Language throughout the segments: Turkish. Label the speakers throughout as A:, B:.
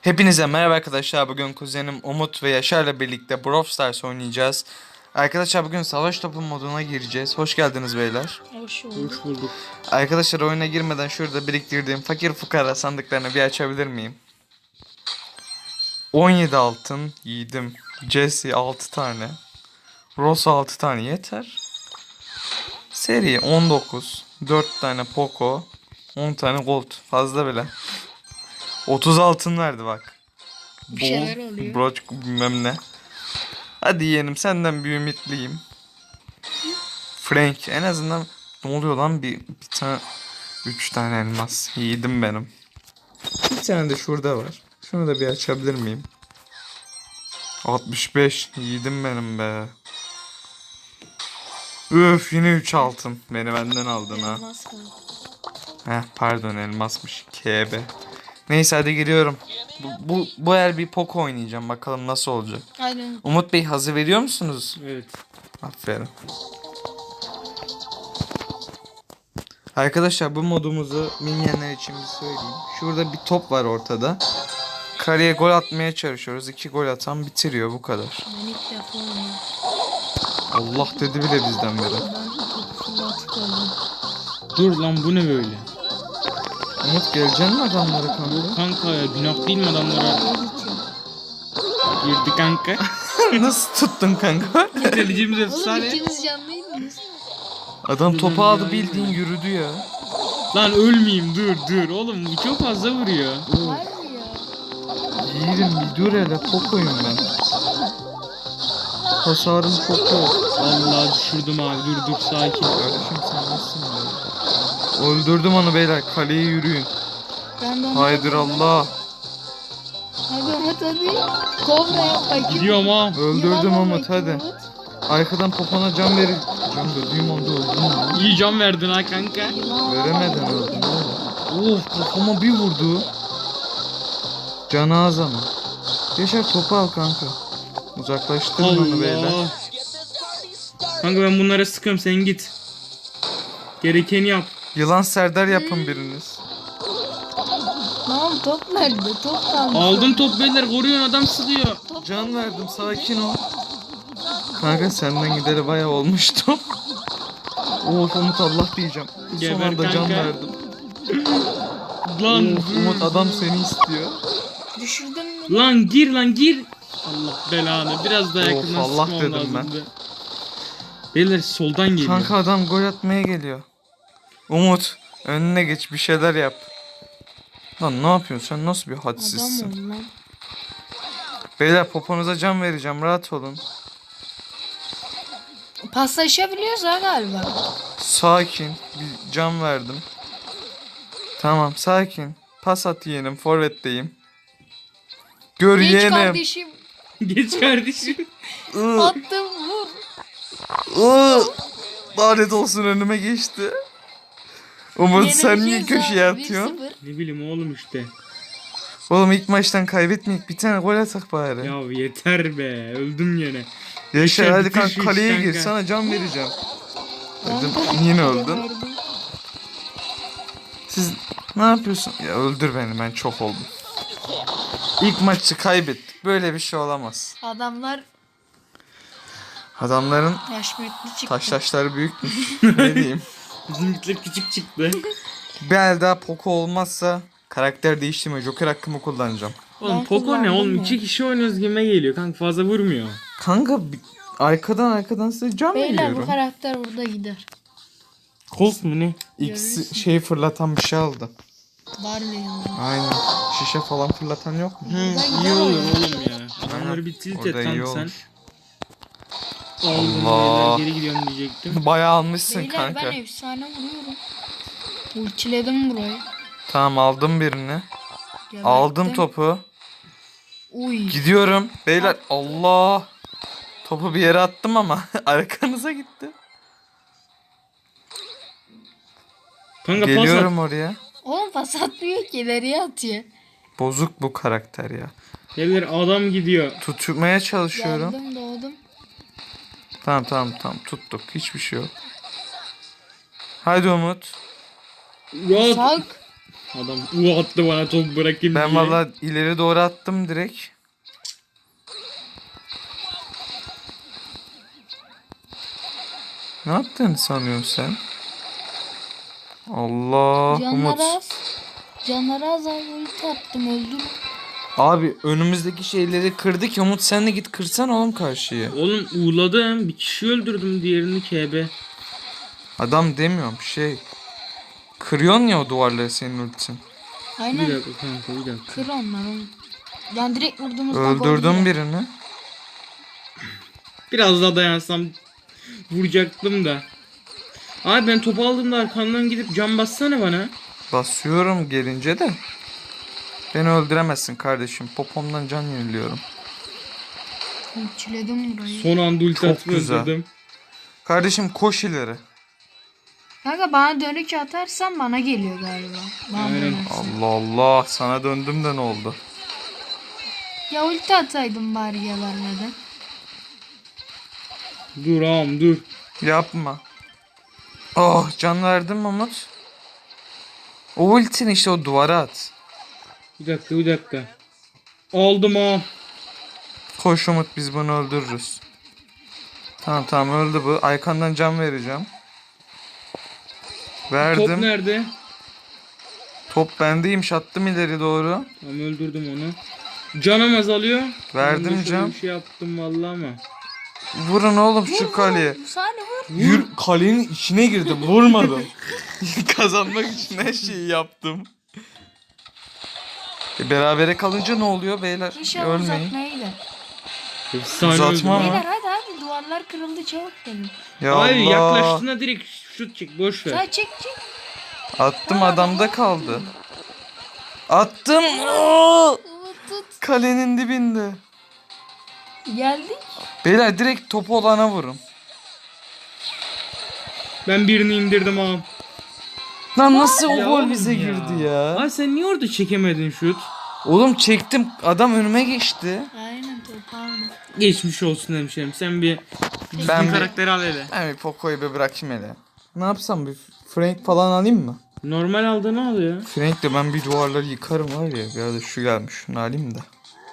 A: Hepinize merhaba arkadaşlar. Bugün kuzenim Umut ve Yaşar'la birlikte Brawl Stars oynayacağız. Arkadaşlar bugün savaş topu moduna gireceğiz. Hoş geldiniz beyler.
B: Hoş
C: Hoş
B: bulduk.
C: bulduk.
A: Arkadaşlar oyuna girmeden şurada biriktirdiğim fakir fukara sandıklarını bir açabilir miyim? 17 altın yedim. Jesse 6 tane. Rosa 6 tane yeter. Seri 19. 4 tane Poco. 10 tane Gold. Fazla bile. 30 altın verdi bak.
B: Bir şeyler oluyor.
A: Broç bilmem ne. Hadi yeğenim senden bir ümitliyim. Frank en azından ne oluyor lan bir tane 3 tane elmas yedim benim. Bir tane de şurada var. Şunu da bir açabilir miyim? 65 yedim benim be. Üf yine 3 altın. Beni benden aldın ha.
B: Elmas var.
A: Heh pardon elmasmış. KB. Neyse hadi giriyorum. Bu el bir Poco oynayacağım. Bakalım nasıl olacak.
B: Aynen.
A: Umut Bey hazır veriyor musunuz?
C: Evet.
A: Aferin. Arkadaşlar bu modumuzu bilmeyenler için bir söyleyeyim. Şurada bir top var ortada. Kaleye gol atmaya çalışıyoruz. 2 gol atan bitiriyor bu kadar.
B: Ben ilk defa oynuyorum.
A: Allah dedi bile bizden beri.
B: Ben fırlatık oldum.
C: Dur lan bu ne böyle?
A: Umut geleceksin mi adamları kanka?
C: Kanka ya günah değil mi adamlara? Girdi kanka.
A: Nasıl tuttun kanka?
C: Delicimiz
B: Oğlum
C: efsane.
B: ikiniz canlıydınız.
A: Adam topu aldı bildiğin yürüdü ya.
C: Lan ölmeyeyim dur. Oğlum bu çok fazla vuruyor.
B: Var mı ya?
A: Yiğidim bir dur hele Poco'yum ben. Hasarım çok yok.
C: Allah düşürdüm abi dur sakin.
A: Kardeşim sen nasılsın ya? Öldürdüm onu beyler kaleye yürüyün.
B: Ben de onu
A: Haydır Allah.
B: Hadi. Kobra yap bakayım.
C: Gidiyorum ha.
A: Öldürdüm
B: Yılan
A: Umut
B: bakayım,
A: hadi.
B: Umut.
A: Arkadan popona can verin. Can verdiğim anda öldüm ya.
C: İyi can verdin ha kanka.
B: Yılan
A: Veremeden
B: var.
A: öldüm oğlum. Of kafama bir vurdu. Canı az ama. Yaşar topu al kanka. Uzaklaştırın onu beyler.
C: Allah. Kanka ben bunlara sıkıyorum sen git. Gerekeni yap.
A: Yılan Serdar yapın biriniz.
B: Tamam top nerede? Top kalmış.
C: Aldım top beyler koruyorsun adam sıkıyor.
A: Can verdim sakin ol. Kanka senden gideri bayağı olmuştu. Of Umut Allah diyeceğim. Son
C: Geber
A: anda can
C: kanka.
A: verdim.
C: Lan
A: Of Umut adam seni istiyor.
B: Düşürdün mü?
C: Lan gir. Allah belanı biraz daha
A: Of,
C: yakından
A: Allah
C: sıkmam
A: dedim
C: lazımdı. Beyler soldan geliyor.
A: Kanka adam gol atmaya geliyor. Umut önüne geç bir şeyler yap. Lan ne yapıyorsun sen nasıl bir
B: Adam
A: hadsizsin.
B: ol lan.
A: Beyler poponuza can vereceğim rahat olun.
B: Paslaşabiliyoruz ha galiba.
A: Sakin bir can verdim. Tamam sakin. Pas at yeğenim forvetteyim. Gör
B: Geç
A: yeğenim.
B: kardeşim.
C: Geç kardeşim.
A: Iı,
B: Attım vur.
A: ıı. Lanet olsun önüme geçti. Umut sen niye
B: Yenileceğiz
A: köşeye
B: abi,
A: atıyorsun?
B: 1-0.
C: Ne bileyim oğlum işte.
A: Oğlum ilk maçtan kaybetmeyik bir tane gol atak bari.
C: Ya yeter be. Öldüm yine.
A: Yaşar
C: Yaşar,
A: hadi
C: bitir
A: kanka
C: şu
A: kaleye
C: işi
A: gir
C: kanka.
A: sana can vereceğim. Dedim,
B: Ben
A: yine
B: de
A: öldün.
B: verdim.
A: Siz ne yapıyorsun? Ya öldür beni ben çok oldum. İlk maçı kaybettik. Böyle bir şey olamaz.
B: Adamlar
A: Adamların
B: yaşmetli çıktı.
A: taşları büyükmüş. Ne diyeyim?
C: Bizimkiler küçük çıktı.
A: Bir el daha Poco olmazsa karakter değiştirme. Joker hakkımı kullanacağım.
C: Oğlum
B: Ben
C: Poco ne
B: kullandım
C: oğlum?
B: ya.
C: 2 kişi oynuyoruz gibime geliyor. Kanka fazla vurmuyor.
A: Kanka arkadan size can
B: Beyler bu
A: veriyorum.
B: karakter burada gider.
C: Colt mu ne?
B: Görürsün.
A: Şeyi fırlatan bir şey aldı.
B: Barley yanında.
A: Aynen. Şişe falan fırlatan yok mu?
C: Hı,
B: Buradan
C: iyi
B: gider
C: olur
B: oyun.
C: oğlum ya. Adamları bir tilt
A: Orada
C: et
A: iyi
C: kanka sen.
A: olur.
C: Aldım
A: Allah.
C: beyler geri gidiyorum diyecektim.
A: Bayağı almışsın
B: Beyler
A: kanka.
B: ben efsane vuruyorum. Ultiledim burayı.
A: Tamam aldım birini.
B: Geberttim.
A: Aldım topu.
B: Uy.
A: Gidiyorum. Beyler Allah. Topu bir yere attım ama arkanıza gitti.
C: Kanka pas at.
A: Geliyorum oraya.
B: Oğlum pas atmıyor ki ileriye atıyor.
A: Bozuk bu karakter ya.
C: Beyler adam gidiyor.
A: Tutmaya çalışıyorum.
B: Geldim doğdum.
A: Tamam tuttuk. Hiçbir şey yok. Haydi Umut.
C: Rahat.
B: Sak.
C: Adam attı bana top bırakayım
A: Ben
C: diye.
A: valla ileri doğru attım direkt. Ne yaptığını sanıyorsun sen? Allah Umut.
B: Canları az. Canları az abi ulti attım öldüm.
A: Abi önümüzdeki şeyleri kırdı ki Umut sen de git kırsan oğlum karşıyı.
C: Oğlum uğladım. Bir kişi öldürdüm, diğerini KB.
A: Adam demiyorum şey. Kırıyorsun ya o duvarları senin ultin.
C: Bir
B: Aynen
C: dakika kanka, bir dakika.
B: kır onları. Yani direkt vurduğumuzda gol
A: Öldürdüm
B: yiyor.
A: birini.
C: Biraz daha dayansam vuracaktım da. Abi ben topu aldığımda arkandan gidip cam bassana bana.
A: Basıyorum gelince de. Beni öldüremezsin kardeşim. Popomdan can yeniliyorum.
B: Ultiledim burayı.
C: Son anda ulti
A: Çok
C: atıp
A: güzel.
C: öldürdüm.
A: Kardeşim koş ileri.
B: Kanka bana dönük atarsan bana geliyor galiba. Bana
C: Aynen.
B: dönersen.
A: Allah Allah sana döndüm de ne oldu?
B: Ya ulti ataydım bari gebermeden.
C: Dur ağam dur.
A: Yapma. Oh can verdim Umut. O ultini işte o duvara at.
C: Bir dakika, bir dakika. Aldım ağam.
A: Koş Umut biz bunu öldürürüz. Tamam tamam öldü bu. Aykan'dan can vereceğim.
C: Top
A: Verdim.
C: nerede?
A: Top bendeymiş attım ileri doğru.
C: Tamam, öldürdüm onu. Canım azalıyor.
A: Verdim
C: Ben de şöyle
A: can.
C: Bir şey yaptım vallahi ama.
A: Vurun oğlum şu kaleye.
B: Saniye vur.
A: Yür kalenin içine girdim vurmadım. Kazanmak için her şeyi yaptım. Berabere kalınca ne oluyor beyler?
B: İnşallah
A: Ölmeyin.
B: uzatmaya gider.
C: Efsane
A: Uzatma
C: öldüm.
A: ama.
B: Beyler hadi duvarlar kırıldı çabuk gelin.
A: Ya
C: Hayır,
A: Allah.
C: yaklaştığında direkt şut çek, boş ver.
B: Sen çek.
A: Attım adamda kaldı. Attım. Aa!
B: Umut tut.
A: Kalenin dibinde.
B: Geldik.
A: Beyler direkt topu olana vurun.
C: Ben birini indirdim ağam.
A: Lan nasıl o
C: Ya
A: gol
C: oğlum
A: bize
C: ya.
A: girdi ya?
C: Ay sen niye orada çekemedin şut?
A: Oğlum çektim adam önüme geçti.
B: Aynen toparlı.
C: Geçmiş olsun hemşerim. Sen bir
A: Ben
C: düzgün
A: bir-
C: karakteri al hele.
A: Ben bir Poco'yu bir bırakayım hele. Ne yapsam bir Frank falan alayım mı?
C: Normal aldığını al ya.
A: Frank'le ben bir duvarları yıkarım var ya. Bir arada şu gelmiş şunu alayım da.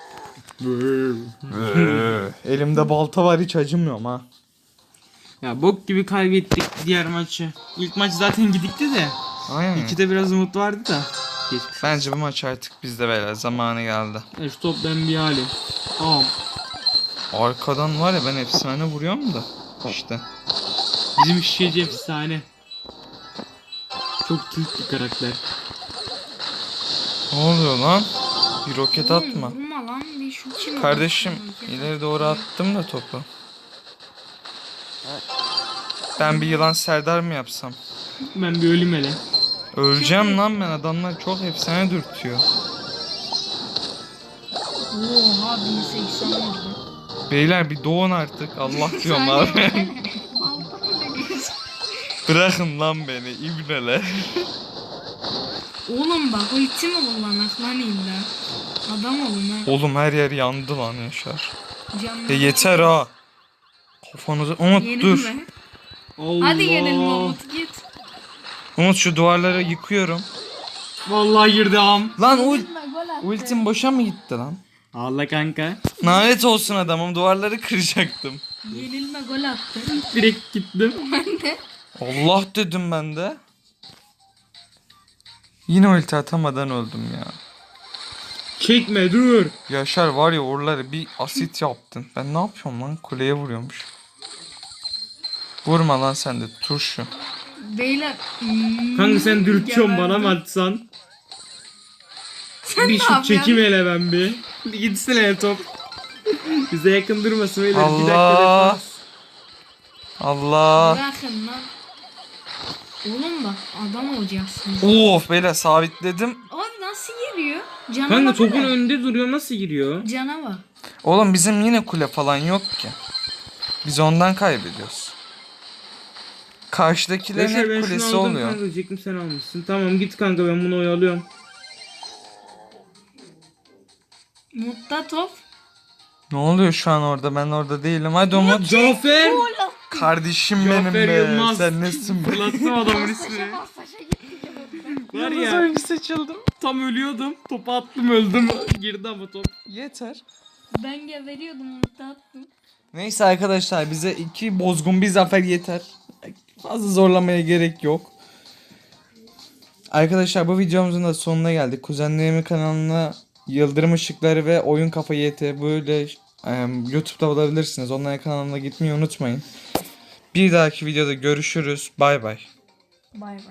A: Elimde balta var hiç acımıyorum ha.
C: Ya bok gibi kaybettik diğer maçı. İlk maç zaten gidikti de.
A: Aynen.
C: İkide biraz umut vardı da. Geçmiş.
A: Bence bu maç artık bizde beyler zamanı geldi.
C: Şu top ben bir halim. Ağam.
A: Arkadan var ya ben efsane vuruyorum da. İşte.
C: Bizim şişeci efsane. Çok tilt bir karakter.
A: Ne oluyor lan? Bir roket atma.
B: Vurma lan bir şu kim?
A: Kardeşim ileri doğru attım da topu. Ben bir yılan Serdar mı yapsam?
C: Ben bir ölüm hele.
A: Öleceğim lan ben adamlar çok efsane dürtüyor.
B: Oha 1080 vurdu.
A: Beyler bir doğun artık Allah diyorum abi. Bırakın lan beni ibneler.
B: Oğlum bak ulti mi kullanak lan illa? Adam olun ha.
A: Oğlum her yer yandı lan Yaşar.
B: Canlı.
A: Yeter ha. Kafanızı Umut dur.
B: Yenilme.
C: Allah.
B: Hadi yenilme Umut git.
A: Umut şu duvarları yıkıyorum.
C: Vallahi girdi ağam.
A: Lan
B: Yenilme gol attı.
A: ultim boşa mı gitti lan?
C: Allah kanka.
A: Lanet olsun adamım duvarları kıracaktım.
B: Yenilme gol attı.
C: Direkt gittim.
B: Ben de.
A: Allah dedim ben de. Yine ulti atamadan öldüm ya.
C: Çekme dur.
A: Yaşar var ya oraları bir asit yaptın. Ben ne yapıyorum lan? Kuleye vuruyormuş. Vurma lan sen de turşu.
B: Beyler.
C: Kanka sen dürtüyorsun
B: geberdim.
C: bana mı atsan?
B: Sen
C: Bir
B: ne
C: şut
B: yapıyorsun?
C: çekeyim hele ben bir. Bir gitsene top. Bize yakın durmasın öyle. Bir dakika
A: Allah.
C: defans.
A: Allah.
B: Bırakın lan. Oğlum bak adam olacaksın.
A: Of beyler sabitledim.
B: Abi nasıl geliyor? Cana
C: Kanka
B: bak
C: topun
B: hele.
C: önünde duruyor, nasıl giriyor?
B: Cana bak.
A: Oğlum bizim yine kule falan yok ki. Biz ondan kaybediyoruz. Karşıdakilerin
C: Yaşar,
A: hep
C: ben şunu
A: kulesi
C: aldım
A: oluyor.
C: kanka diyecektim, sen almışsın. Tamam git kanka, ben bunu oyalıyorum.
B: Mutta top.
A: Ne oluyor şu an orada? Ben orada değilim. Hadi Umut.
C: Cafer!
A: Kardeşim benim
C: Cafer
A: be.
C: Yılmaz.
A: Sen nesin be?
C: Fırlattım adamın ismini.
B: Paşa gitti.
C: Var
A: Yıldız
C: ya
A: oyuncu seçildim.
C: tam ölüyordum. Topu attım öldüm. Girdi ama top.
A: Yeter.
B: Ben geberiyordum ulti attım.
A: Neyse arkadaşlar bize 2 bozgun bir zafer yeter. Fazla zorlamaya gerek yok. Arkadaşlar bu videomuzun da sonuna geldik. Kuzenlerimin kanalına Yıldırım Işıkları ve Oyun Kafa YT böyle YouTube'da bulabilirsiniz. Onların kanalına gitmeyi unutmayın. Bir dahaki videoda görüşürüz. Bay bay.
B: Bay bay.